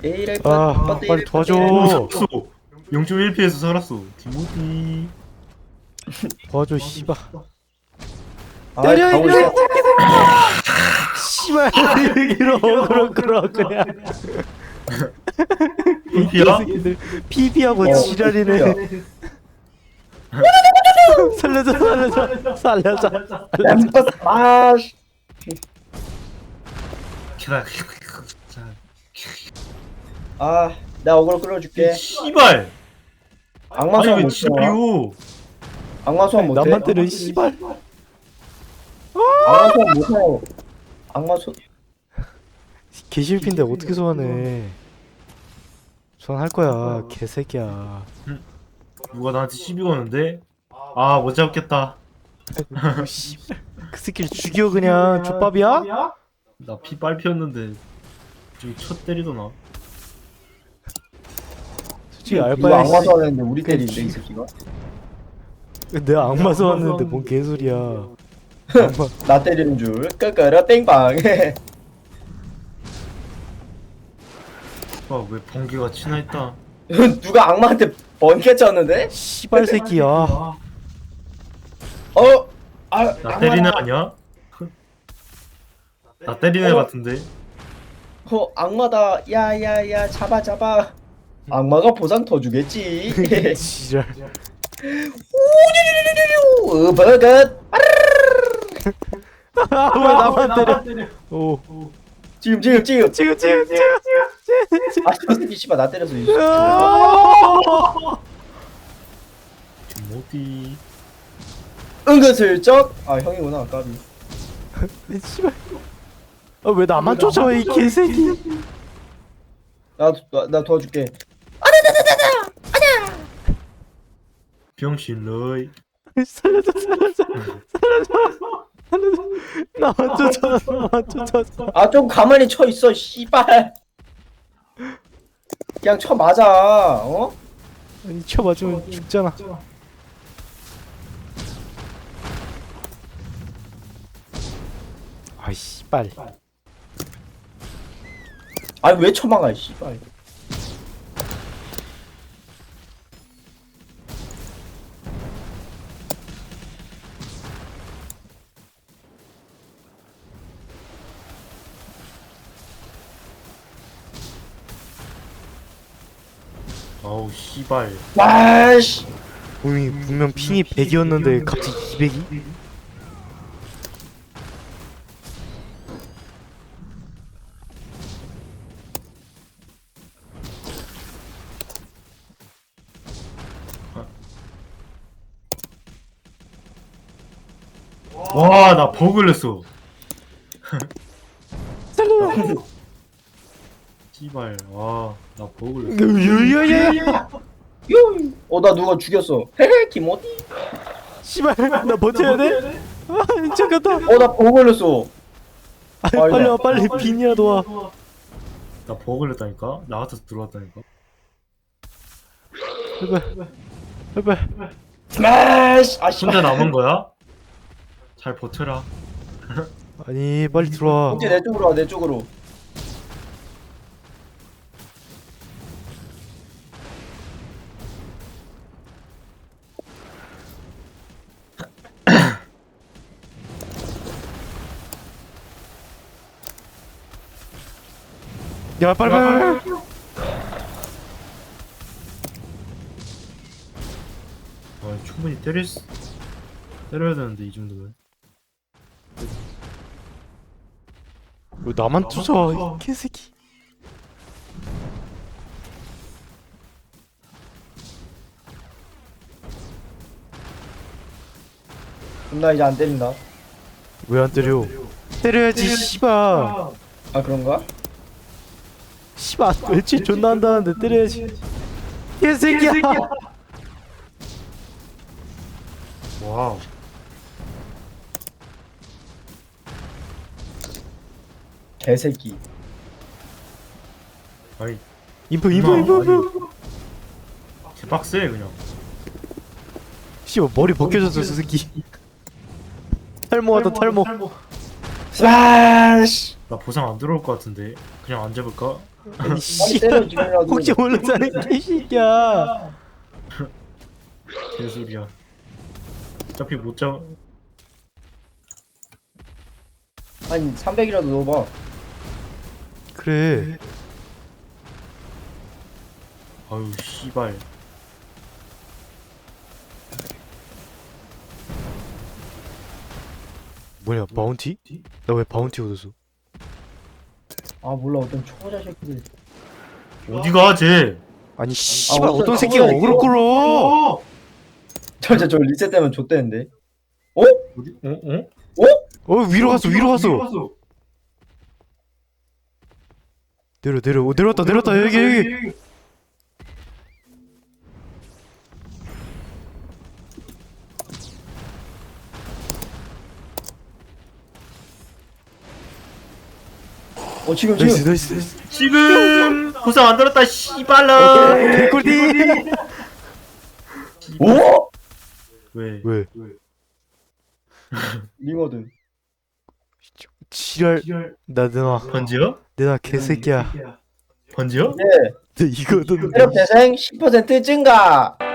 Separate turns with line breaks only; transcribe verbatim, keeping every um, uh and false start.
아 빨리 도와줘.
영 점 일 피에서 살았어. 디모티.
도와줘 씨발.
때려
때려,
이거.
씨발 여기로 그럼 그럼 그냥.
피피야?
피비하고
어,
지랄이네. 살려줘 살려줘 살려줘.
램퍼스 아.
기다.
아, 나 어그로 끌어줄게.
씨발.
악마
아니
소환
왜
못해.
지랄이오?
악마 소환 못해.
나만 때려 씨발.
악마 소환 못해. 악마 소.
개실핀데 어떻게 소환해? 소환할 거야 개새끼야.
누가 나한테 시비 거는데? 아 못 잡겠다.
아이고, 씨발. 그 새끼를 죽여 그냥 족밥이야?
나 피 빨피었는데 저기 첫 때리더나.
솔직히
누가
알바야.
악마
씨.
소환했는데 우리 때리는데 이 새끼가.
내가 악마 소환했는데 뭔 개소리야. 악마.
나 때리는 줄. 끄끄러 땡빵.
아왜 번개가 치나 했다.
누가 악마한테 번개 쳤는데?
씨발 새끼야.
어? 아,
나 때리는 애 아니야? 나 때리는 애
어?
같은데.
어, 악마다. 야야야, 잡아 잡아. 악마가 보상 더 주겠지.
지랄.
우 버것.
아, 왜 나만 때려? 오.
지금 지금 지금.
지금 지금 지금
아, 저 새끼 씨발 나 때려서 이 새끼.
디모티.
은근슬쩍. 아, 형이구나, 까비.
씨발. 아, 왜 나만 쫓아와 이 개새끼.
나, 나, 나 도와줄게.
병신 러이.
살려줘 살려줘 살려줘 살려줘. 나만 쫓아와 나만 쫓아와.
아, 좀 가만히 쳐 있어, 씨발. 그냥 쳐 맞아. 어?
아니 쳐 맞으면 죽잖아. 아이 씨발.
아니 왜 쳐막아, 씨발.
아우 씨발.
와씨.
분명 분명 핑이 백이었는데 갑자기 이백이?
와 나 버그 걸렸어.
살려.
씨발. 와 나 버그 걸렸어.
유유유유.
요. 어, 나 누가 죽였어. 헤헤, 김어디.
씨발 나 버텨야 돼? 아 잠깐다.
어, 나 보고 걸렸어.
아, 빨리 와 빨리 빈이라도 와.
나 버그 걸렸다니까. 나 같아서 들어왔다니까.
제발 제발.
스매시. 아, 씨발.
혼자 남은 거야? 잘 버텨라.
아니 빨리 들어와.
이제 내 쪽으로 와, 내 쪽으로.
야 빨리 빨리. 빨리.
아 충분히 때릴 수... 때려야 되는데 이 정도면.
왜 나만 쫓아와 이 개새끼.
그럼 나 이제 안 때린다.
왜 안 때려? 때려야지 씨발.
아, 그런가?
씨발 멸치 존나 한다는데 때려야지. 개새끼야.
와우.
개새끼.
아이
인포 인포 인포 인포.
개빡세 그냥.
씨발 머리 벗겨졌어 저 새끼. 탈모하다 탈모.
스매시.
나 보상 안 들어올 것 같은데 그냥 안 잡을까?
아니
빨리
씨발
때려 죽이라고.
혹시 모르잖아 개새끼야.
개소리야. 어차피 못 잡.
아니 삼백이라도 넣어봐.
그래
아유 씨발.
뭐냐 바운티? 나 왜 바운티 얻었어?
아 몰라 어떤 초보자 새끼들.
어디가 쟤?
아니 씨발
어떤
어떤 새끼가
초보자
어그로 끌어?
저저 저 리셋되면 좆되는데. 어?
어디? 어? 어?
어 위로 갔어 위로 갔어. 내려 내려 어, 내려왔다 내려왔다 여기 여기.
어 지금
나이스
지금.
나이스 나이스.
지금 보상 안 들었다 씨발라.
개꿀띠.
오?
왜?
왜?
링어든.
지랄 나 내놔
번지요?
내놔 개새끼야.
번지요?
네.
내 이거는
체력 재생 십 퍼센트 증가.